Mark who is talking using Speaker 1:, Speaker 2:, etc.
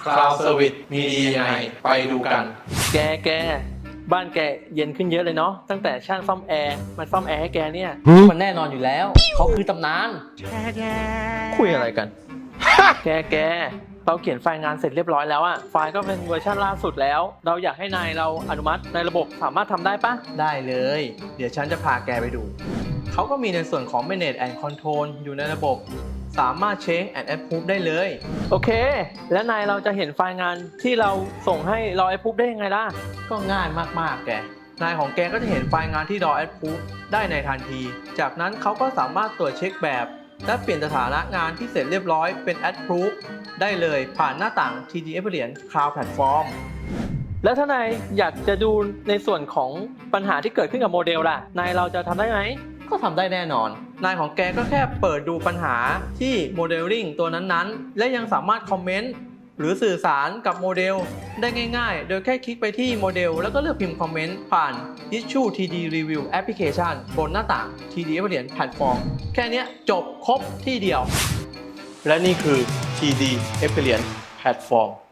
Speaker 1: Cloud Service มีดียังไงไปดูกัน
Speaker 2: แกบ้านแกเย็นขึ้นเยอะเลยเนาะตั้งแต่ช่างซ่อมแอร์มันซ่อมแอร์ให้แกเนี่ยมันแน่นอนอยู่แล้วเขาคือตำนานคุยอะไรกัน แกเราเขียนไฟล์งานเสร็จเรียบร้อยแล้วอะไฟล์ก็เป็นเวอร์ชันล่าสุดแล้วเราอยากให้นายเราอนุมัติในระบบสามารถทำได้ปะได้เลยเดี๋ยวฉันจะพาแกไปดูเขาก็มีในส่วนของ Manage and Control อยู่ในระบบสามารถ Change and Approve ได้เลยโอเคแล้วนายเราจะเห็นไฟล์งานที่เราส่งให้รอ Approve ได้ยังไงล่ะก็ง่ายมากๆแกนายของแกก็จะเห็นไฟล์งานที่รอ Approve ได้ในทันทีจากนั้นเขาก็สามารถตรวจเช็คแบบและเปลี่ยนสถานะงานที่เสร็จเรียบร้อยเป็น Approve ได้เลยผ่านหน้าต่าง TD Experience Cloud Platform แล้วถ้านายอยากจะดูในส่วนของปัญหาที่เกิดขึ้นกับโมเดลล่ะนายเราจะทำได้ไหมก็ทำได้แน่นอนนายของแกก็แค่เปิดดูปัญหาที่โมเดลลิ่งตัวนั้นๆและยังสามารถคอมเมนต์หรือสื่อสารกับโมเดลได้ง่ายๆโดยแค่คลิกไปที่โมเดลแล้วก็เลือกพิมพ์คอมเมนต์ผ่าน Issue TD Review Application บนหน้าต่าง TD Experience Platform แค่นี้จบครบที่เดียวและนี่คือ TD Experience Platform